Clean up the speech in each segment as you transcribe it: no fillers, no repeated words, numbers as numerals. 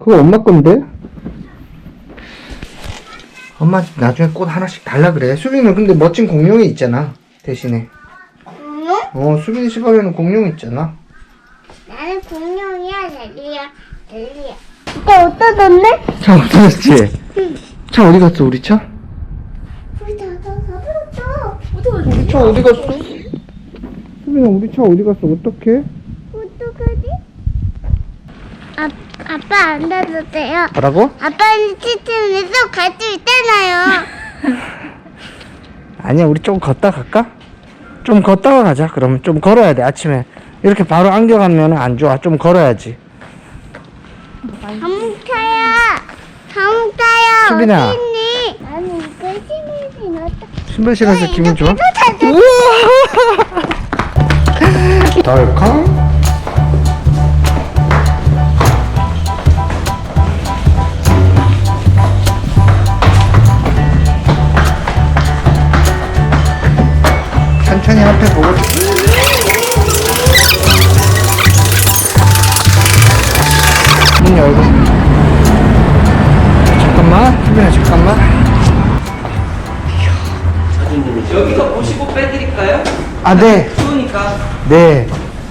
그거 엄마 건데? 엄마 나중에 꽃 하나씩 달라 그래. 수빈이는 근데 멋진 공룡이 있잖아. 대신에. 공룡? 수빈이 집안에는 공룡 있잖아. 나는 공룡이야, 렐리야. 오빠 어디다 놨네? 차 없어졌지? 차 어디 갔어, 우리 차? 우리 다 가버렸어. 우리 차 어디 갔어? 수빈아, 우리 차 어디 갔어? 어떡해? 어떡하지? 아빠 안 닫았대요. 뭐라고? 아빠는 치팅에서 갈 수 있잖아요. 아니야, 우리 좀 걷다 갈까? 좀 걷다가 가자. 그러면 좀 걸어야 돼. 아침에 이렇게 바로 안겨가면 안 좋아. 좀 걸어야지. 감타야. 감타야. 수빈아. 어디 있니? 나는 이거 신을 신었다. 신발 신어서 기분 좋아? 찾아. 우와! 덜컹? 천천히 앞에 보고. 문 열고. 잠깐만, 수빈아 잠깐만. 여기서 보시고 빼드릴까요? 아, 네. 추우니까. 네.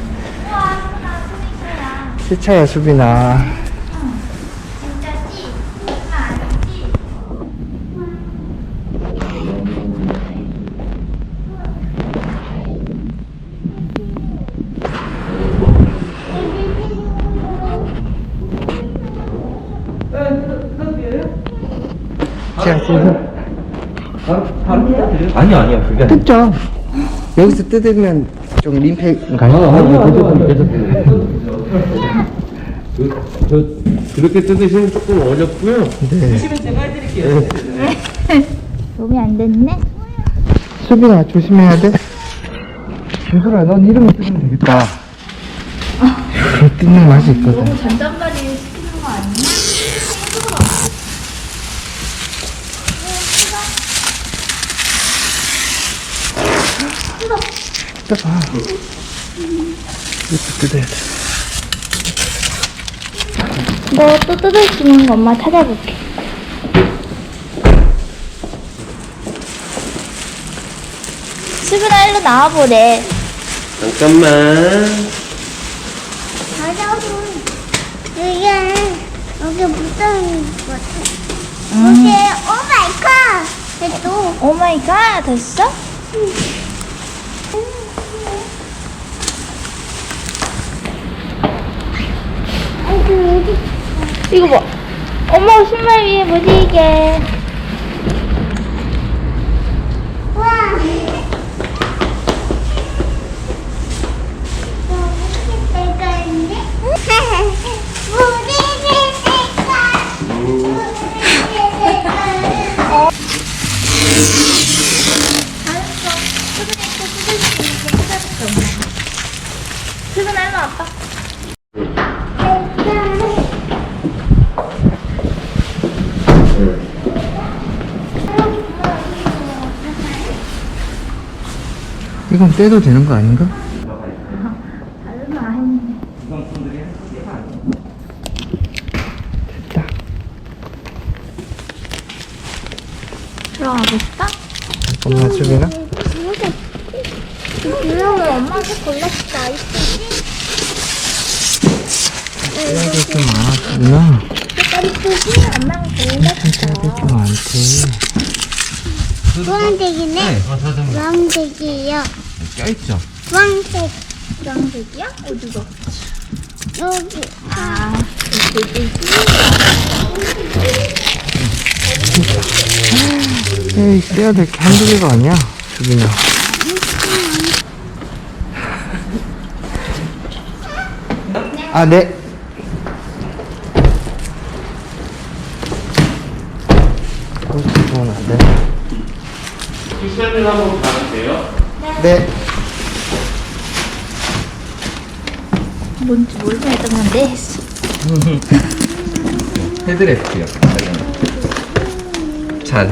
새 차야, 수빈아. 자, 아니요, 그게 아니에요. 뜯죠. 여기서 뜯으면 좀 민폐인가요? 그렇게 뜯으시면 조금 어렵고요. 네. 드시면 제가 해드릴게요. 몸이 안 됐네? 수빈아, 조심해야 돼. 준솔아, 넌 이름을 뜯으면 되겠다. 뜯는 맛이 있거든. 잔잔바리 시키는 거 아니야? 뜯어봐. 이것도 뜯어야 돼. 뭐 또 뜯을 수 있는 거 엄마 찾아볼게. 수빈아 일로 나와보래. 잠깐만. 가자고. 여기 묻어있는 것 같아. 여기 오마이갓. 해도. 오마이갓 됐어? 아이고 여기. 이거 봐. 엄마 신발 위에 못 이게. 와. 내가 있네. 우리를 내가. 수빈아 일로 와봐. 이건 떼도 되는 거 아닌가? 됐다. 들어가겠다? 잠깐만, 수빈아. 그러면 엄마한테 골랐어. 아이스지? 떼야 될 게 많았구나. 엄마가 골랐어. 떼야 될 게 많대. 주황색이네. 주황색이에요. 껴있죠? 주황색. 주황색이야? 어디가? 여기. 아, 에이, 떼야 될 게 한두 개가 아니야, 수빈아. 아, 네. 그건 안 돼. 시간을 한번 봐주세요. 네. 뭔지 모르고 했던 건데. 해드릴게요. 잘.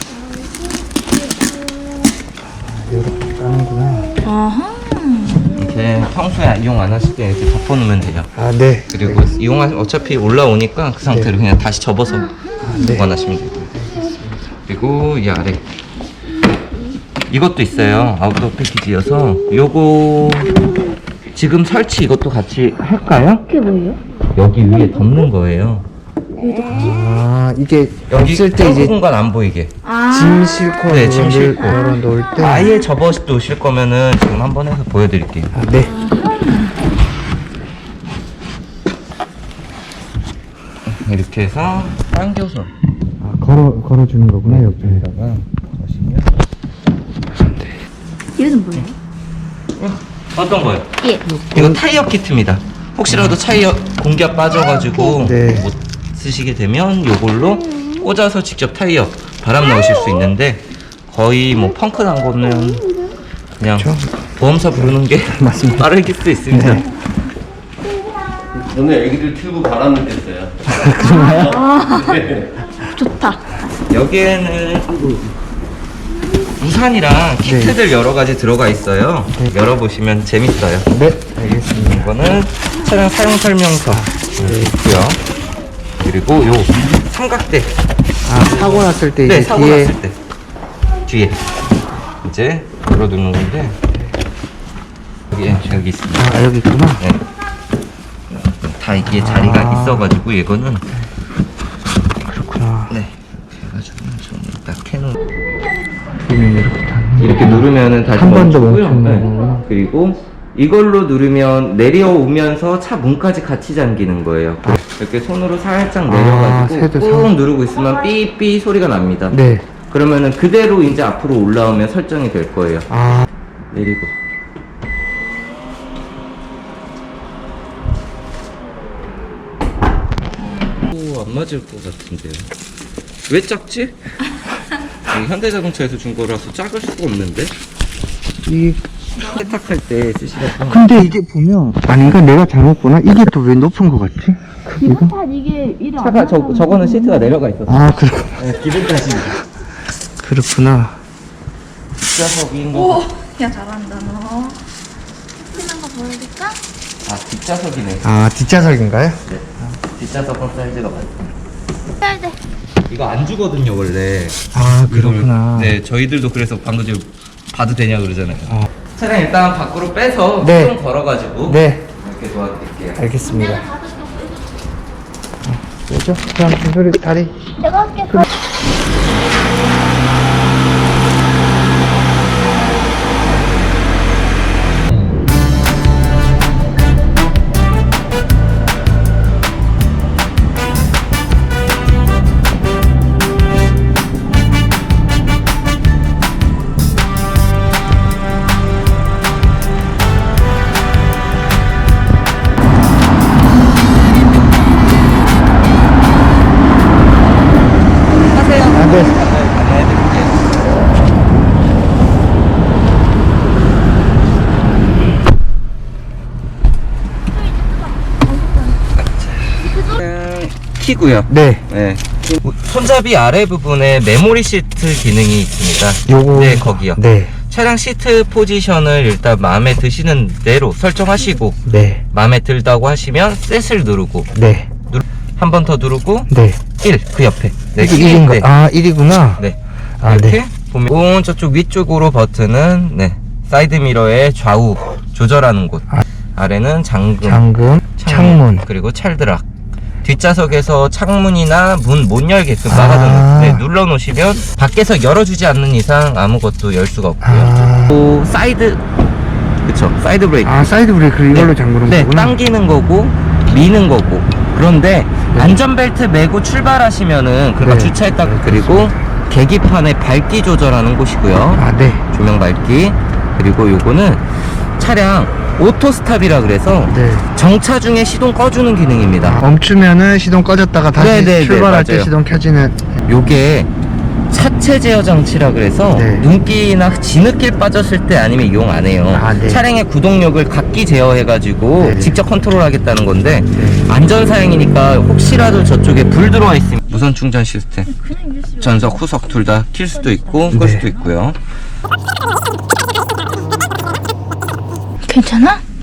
이렇게 까는구나. 아하. 이렇게 평소에 이용 안 하실 때 이렇게 덮어놓으면 돼요. 아, 네. 그리고 어차피 올라오니까 그 상태로 그냥 다시 접어서 네. 보관하시면 되고요. 그리고 이 아래 이것도 있어요. 아웃도어 패키지여서 요거 지금 설치 이것도 같이 할까요? 그게 뭐예요? 여기 위에 덮는 거예요. 아, 이게 여기 없을 때 이제 공간 안 보이게. 짐 싣고 네, 짐 싣고. 열어 놓을 때. 아예 접어 놓으실 거면은 지금 한번 해서 보여드릴게요. 아, 네. 이렇게 해서 당겨서 아, 걸어주는 거구나, 여기에다가. 하시면 이거는 뭐예요? 어떤 거요? 예. 이거 타이어 키트입니다. 혹시라도 타이어 공기가 빠져가지고 네. 못 쓰시게 되면 요걸로 꽂아서 직접 타이어 바람 넣으실 수 있는데 거의 뭐 펑크 난 거면 그냥 보험사 부르는 게 맞습니다. 빠르길 수 있습니다. 네. 오늘 애기들 튜브 바람 넣겠어요. 좋다. 여기에는 우산이랑 키트들 여러 가지 들어가 있어요. 열어보시면 재밌어요. 네, 알겠습니다. 이거는 차량 사용 설명서 있고요. 그리고 요 삼각대. 아, 사고 났을 때 이제 네, 사고 뒤에. 났을 때 뒤에 이제 열어두는 건데 여기 있습니다. 아, 여기 있구나. 네. 다 이게 자리가 있어가지고 이거는 그렇구나. 네. 해가지고 좀 딱 해놓은. 이렇게 다. 이렇게 누르면은 다시 한 번 더 멈추고요. 멈추는 네. 거구나. 그리고 이걸로 누르면 내려오면서 차 문까지 같이 잠기는 거예요. 이렇게 손으로 살짝 내려가지고 새도 꾹 누르고 있으면 삐삐 소리가 납니다. 네. 그러면은 그대로 이제 앞으로 올라오면 설정이 될 거예요. 아, 내리고. 오, 안 맞을 것 같은데요. 왜 작지? 이 현대자동차에서 준 거라서 작을 수가 없는데? 이, 세탁할 때 쓰시라고. 근데 이게 보면. 아닌가? 내가 잘못 보나? 이게 또 왜 높은 거 같지? 크기가? 이게 이름 차가 저거는 시트가 내려가 있었어. 아, 그렇구나. 네, 기본 탓입니다. 그렇구나. 뒷좌석인 거. 야 잘한다 너. 끝난 거 보여줄까? 아, 뒷좌석이네. 아, 뒷좌석인가요? 네. 뒷좌석은 사이즈가 많습니다. 해야 돼. 이거 안 주거든요, 원래. 아, 그렇구나. 네, 저희들도 그래서 방금 좀 봐도 되냐 그러잖아요. 어. 차량 일단 밖으로 빼서 네. 좀 걸어가지고 네, 이렇게 도와드릴게요. 알겠습니다. 그죠? 그냥 소리 다리. 내가 할게. 아, 네. 안내해드릴게요. 키고요. 네. 네. 손잡이 아래 부분에 메모리 시트 기능이 있습니다. 요거. 네, 거기요. 네. 차량 시트 포지션을 일단 마음에 드시는 대로 설정하시고 네. 마음에 들다고 하시면 셋을 누르고 네. 한 번 더 누르고 네. 1, 그 옆에. 네, 이게 1인가? 네. 아, 1이구나. 네. 아, 이렇게 네. 보면 저쪽 위쪽으로 버튼은 네. 사이드 미러의 좌우 조절하는 곳. 아래는 잠금, 창문. 그리고 찰드락. 뒷좌석에서 창문이나 문 못 열게끔 막아두는. 네, 눌러 놓으시면 밖에서 열어주지 않는 이상 아무것도 열 수가 없고요. 아. 또 사이드, 그쵸, 사이드 브레이크. 아, 사이드 브레이크를 이걸로 잠그는 네, 거구나. 당기는 거고 미는 거고. 그런데 안전벨트 매고 출발하시면은 그러니까 네. 주차했다. 그리고 계기판에 밝기 조절하는 곳이고요. 아, 네. 조명 밝기. 그리고 요거는 차량 오토 스탑이라 그래서 네. 정차 중에 시동 꺼주는 기능입니다. 멈추면은 시동 꺼졌다가 다시 네네네, 출발할 때 맞아요. 시동 켜지는. 요게 차체 제어 장치라 그래서 네. 눈길이나 진흙길 빠졌을 때 아니면 이용 안 해요. 아, 네. 차량의 구동력을 각기 제어해가지고 네. 직접 컨트롤하겠다는 건데 네. 안전 사양이니까 혹시라도 저쪽에 불 들어와 있으면 무선 충전 시스템 그냥 USB. 전석 후석 둘 다 킬 수도 있고 끌 네. 수도 있고요. 괜찮아?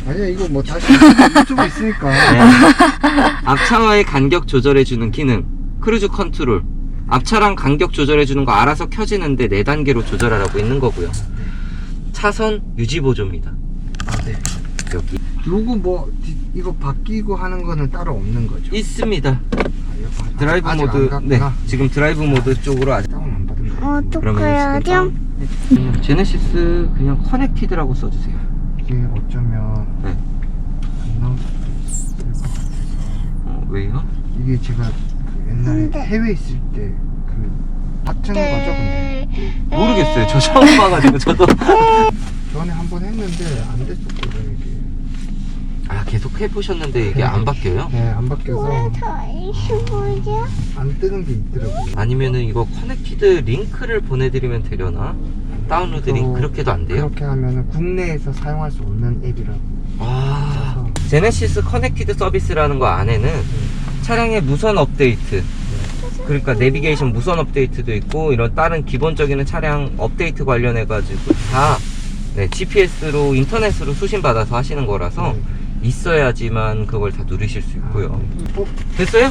아니야 이거 뭐 다시 유튜브 있으니까. 네. 앞차와의 간격 조절해주는 기능, 크루즈 컨트롤. 앞차랑 간격 조절해주는 거 알아서 켜지는데 4단계로 조절하라고 있는 거고요. 차선 유지 보조입니다. 아 네. 여기 요거 뭐 이거 바뀌고 하는 거는 따로 없는 거죠? 있습니다. 드라이브 아직 모드. 안 갔구나. 네, 지금 드라이브 모드 쪽으로 아직. 다운 안 받은 거. 어떻게 해야죠? 제네시스 그냥 커넥티드라고 써주세요. 이게 어쩌면 네. 안 나올 수도 있을 것 같아서. 왜요? 이게 제가 그 옛날에 근데- 해외 있을 때 그 받친 거죠 근데 모르겠어요. 저 처음 봐가지고 저도. 전에 한 번 했는데 안 됐었거든요 이게. 아, 계속 해보셨는데 이게 안 바뀌어요? 네, 안 바뀌어서 뭐죠? 안 뜨는 게 있더라고요. 아니면은 이거 커넥티드 링크를 보내드리면 되려나? 다운로드 링크 그렇게도 안 돼요? 그렇게 하면은 국내에서 사용할 수 없는 앱이라고. 아, 제네시스 커넥티드 서비스라는 거 안에는 차량의 무선 업데이트, 그러니까 내비게이션 무선 업데이트도 있고 이런 다른 기본적인 차량 업데이트 관련해가지고 다 GPS로 인터넷으로 수신받아서 하시는 거라서 네. 있어야지만 그걸 다 누리실 수 있고요. 어? 됐어요?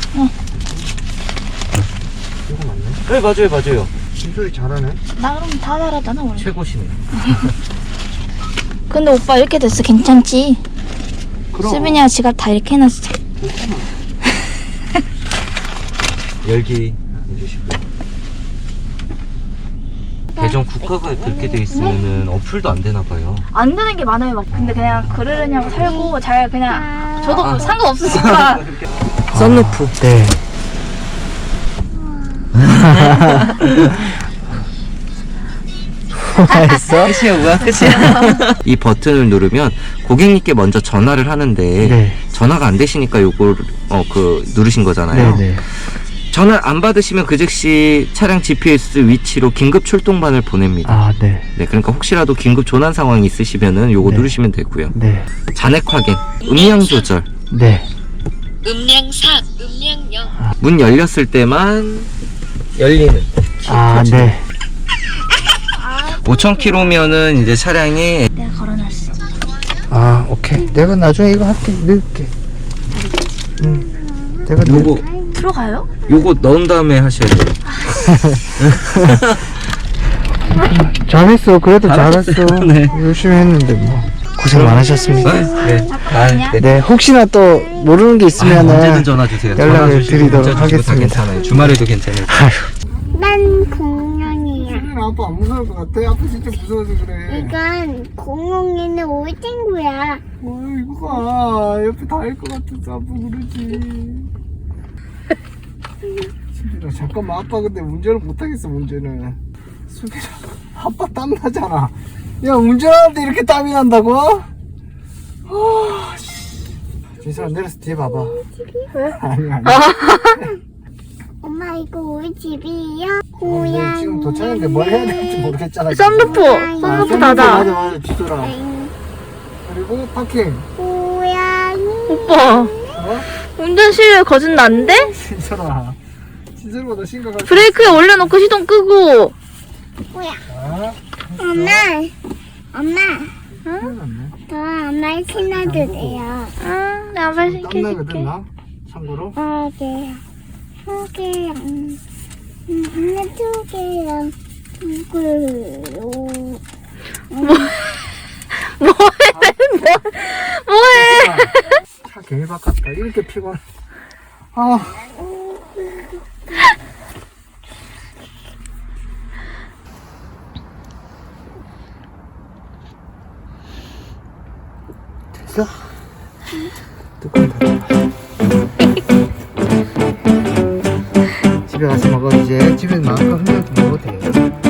이거 맞네? 네, 맞아요. 진솔이 잘하네. 나 그럼 다 잘하잖아 원래. 최고시네요. 근데 오빠 이렇게 됐어 괜찮지? 그럼. 수빈이가 지갑 다 이렇게 해놨어. 열기 해주시고요. 계정 국가가 그렇게 돼 있으면은 어플도 안 되나 봐요. 안 되는 게 많아요 막. 근데 그냥 그러려냐고 살고 잘 그냥 저도 아. 상관없으니까. 썬루프. 네. 했어? 끝이야, 우와, 끝이야. 이 버튼을 누르면 고객님께 먼저 전화를 하는데 네. 전화가 안 되시니까 요걸 누르신 거잖아요. 네네. 전화 안 받으시면 그 즉시 차량 GPS 위치로 긴급 출동반을 보냅니다. 아, 네. 네, 그러니까 혹시라도 긴급 조난 상황이 있으시면은 요거 네. 누르시면 되고요. 네. 잔액 확인, 음량 조절, 네. 음량 3, 음량 0. 문 열렸을 때만 열리는. 아, 네. 5,000km면은 이제 차량이 내가 걸어놨어. 아, 오케이. 내가 나중에 이거 할게. 넣을게. 내가 요거 들어가요? 요거 넣은 다음에 하셔야 돼요. 잘했어. 그래도 잘했어요. 잘했어. 네. 열심히 했는데 뭐. 고생 많으셨습니다. 네. 잠깐만요. 네. 네, 혹시나 또 모르는 게 있으면은 언제든 전화 주세요. 연락을 전화 주시고 드리도록 문자 주시고 다 하겠습니다. 괜찮아요. 주말에도 괜찮아요. 난 공룡이야. 아빠 안 무서울 것 같아? 아빠 진짜 무서워서 그래. 이건 공룡이는 우리 친구야. 이거 봐. 옆에 닿을 것 같아서 아빠 그러지. 수빈아, 잠깐만. 아빠 근데 운전을 못하겠어, 문제는. 수빈아, 아빠 땀나잖아. 야, 운전하는데 이렇게 땀이 난다고? 진솔아, 내려서 뒤에 봐봐. 왜? 아니. 엄마 이거 우리 집이야? 네, 지금 도착했는데 뭘 해야 될지 모르겠잖아. 썬루프! 아, 썬루프 닫아. 맞아, 뒤돌아. 그리고 파킹. 고양이. 오빠 어? 운전 실력 거짓나는데? 진솔아. 진솔보다 심각하게. 브레이크에 올려놓고 시동 끄고. 뭐야? 아, 엄마. 큰일 났네. 저 엄마 신어주세요. 응, 내가 빨리 땀나거든, 신겨줄게. 나? 참고로. 두 개랑 하나 두 개랑 그리고 뭐해? 차 괜히 바꿨다. 이렇게 피곤해. 아. 됐어? 뚜껑 닫아. 집에 가서 먹어. 이제 집에 마음껏 흘려도 먹어도 돼.